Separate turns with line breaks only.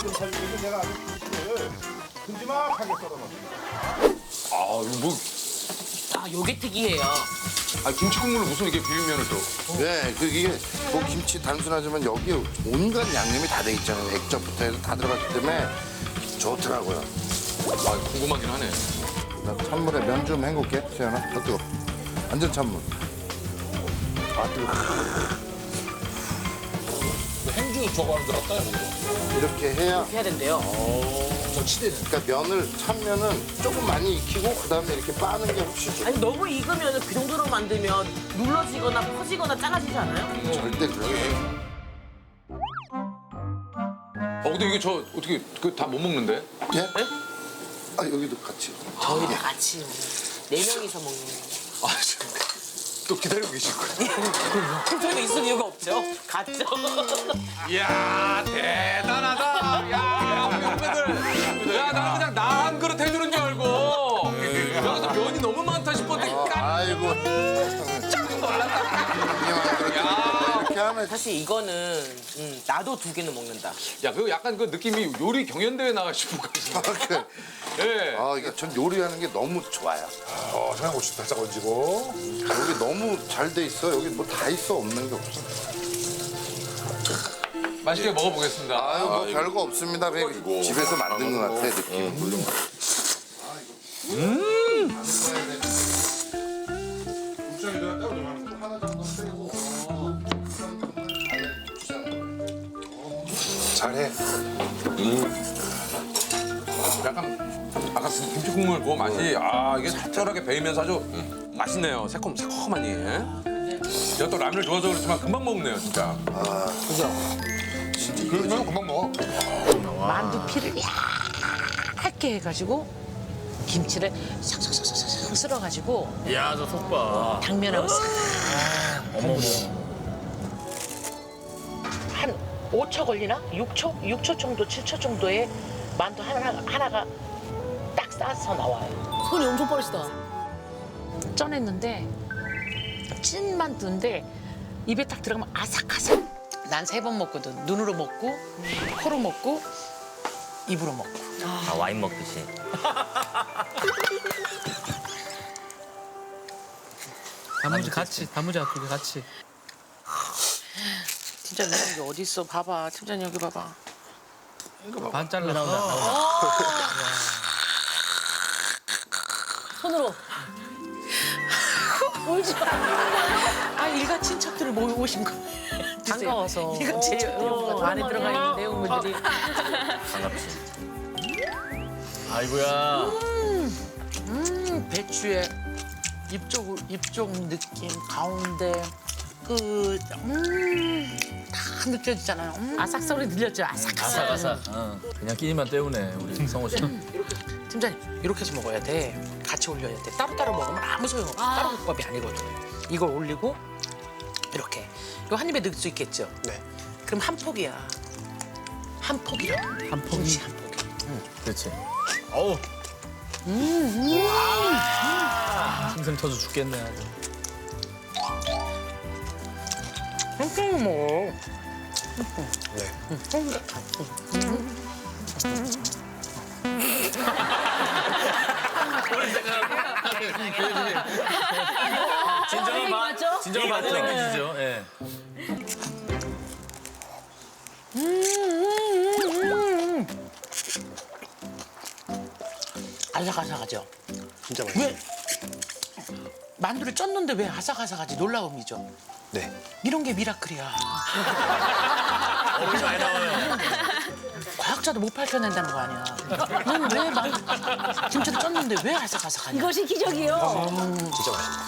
좀 살리면서 내가 아주 김치를 큼지막하게 썰어놨습니다.
아, 이거 뭐,
아, 요게 특이해요.
아, 김치 국물을 무슨 이게 비빔면을 또.
네, 이게 뭐 김치 단순하지만 여기에 온갖 양념이 다 돼 있잖아요. 액젓부터 해서 다 들어갔기 때문에 좋더라고요.
아, 궁금하긴 하네.
나 찬물에 면 좀 헹굴게, 세연아. 더 뜨거. 완전 찬물. 아, 뜨거.
행주 저거 하는 줄 알았다, 이거.
이렇게 해야.
해야 된대요.
저 치대네.
그러니까 면을 찬면은 조금 많이 익히고 그다음에 이렇게 빠는 게 훨씬 좋아.
아니, 너무 익으면 그 정도로 만들면 눌러지거나 퍼지거나 작아지지 않아요?
절대 그래.
근데 이게 저 어떻게 그 다 못 먹는데?
예? 아, 여기도 같이.
저희 다 같이 4명이서 먹는 거.
아, 또 기다리고 계실 거예요.
저희도 있을 이유가 없죠. 갔죠.
이야, 대단하다. 야, 우리 후배들. 야, 나는 그냥 나 한 그릇 해주는 줄 알고. 여기서 면이 너무 많다 싶었는데
아이고.
깜짝 놀랐다. 야,
이렇게 하면
사실 이거는 나도 2개는 먹는다.
야, 그 약간 그 느낌이 요리 경연대회 나가시고 가시는 거. 예.
아, 이게 전 요리하는 게 너무 좋아요.
청양고추 살짝 얹고.
여기 너무 잘 돼 있어. 여기 뭐 다 있어. 없는 게 없어.
맛있게 먹어보겠습니다.
아유, 뭐 별거 없습니다. 그냥 집에서 만든 것 같아, 느낌.
잘해.
약간 아까 그 김치 국물 그 맛이 이게 살짝하게 배이면서 아주 맛있네요. 새콤하니. 제가 또 라면을 좋아해서 그렇지만 금방 먹네요, 진짜.
그러면 금방 먹어.
만두 피를 얇게 해가지고 김치를 싹싹싹싹 쓸어가지고
야, 저 속봐.
당면하고 싹
어머머.
한 5초 걸리나? 6초? 6초 정도, 7초 정도에 만두 하나가 딱 싸서 나와요.
손이 엄청 빠르시다.
쪄냈는데 찐 만두인데 입에 딱 들어가면 아삭아삭. 난 3번 먹거든. 눈으로 먹고, 코로 먹고, 입으로 먹고.
아, 와인 먹듯이.
단무지 같이, 단무지하고 그게 같이.
진짜 이런 게 어디 있어? 봐봐. 팀장님 여기 봐봐.
반 잘라서.
손으로. 울지 마.
아, 일가 친척들을 모이고 오신 거.
반가워서.
일가 친척들이 안에 들어가 있는 내용물들이.
반갑지. 아이고야.
배추의 입쪽 느낌, 가운데 다 느껴지잖아요. 아삭 소리 들렸죠? 아삭아삭.
아삭아삭. 그냥 끼니만 때우네, 우리 성호 씨.
팀장님, 이렇게 해서 먹어야 돼. 같이 올려야 돼. 따로따로 먹으면 아무 소용없어. 따로 국밥이 아니거든. 이걸 올리고 이렇게. 이거 한 입에 넣을 수 있겠죠? 네. 그럼 한 폭이야. 한 폭이라고. 한 폭이. 한 폭이.
그렇지. 어우. 생생 터져 죽겠네, 아주.
한쪽 먹어.
진정한
맞죠?
진정한 맛 느껴지죠. 예.
아삭아삭하죠? 진짜 맛있어. 왜 만두를 쪘는데 왜 아삭아삭하지? 놀라움이죠? 네. 이런 게 미라클이야.
어렵게 많이 나와요.
과학자도 못 밝혀낸다는 거 아니야. 넌 왜 김치를 쪘는데 왜 아삭아삭하냐?
이것이 기적이요.
진짜 맛있다.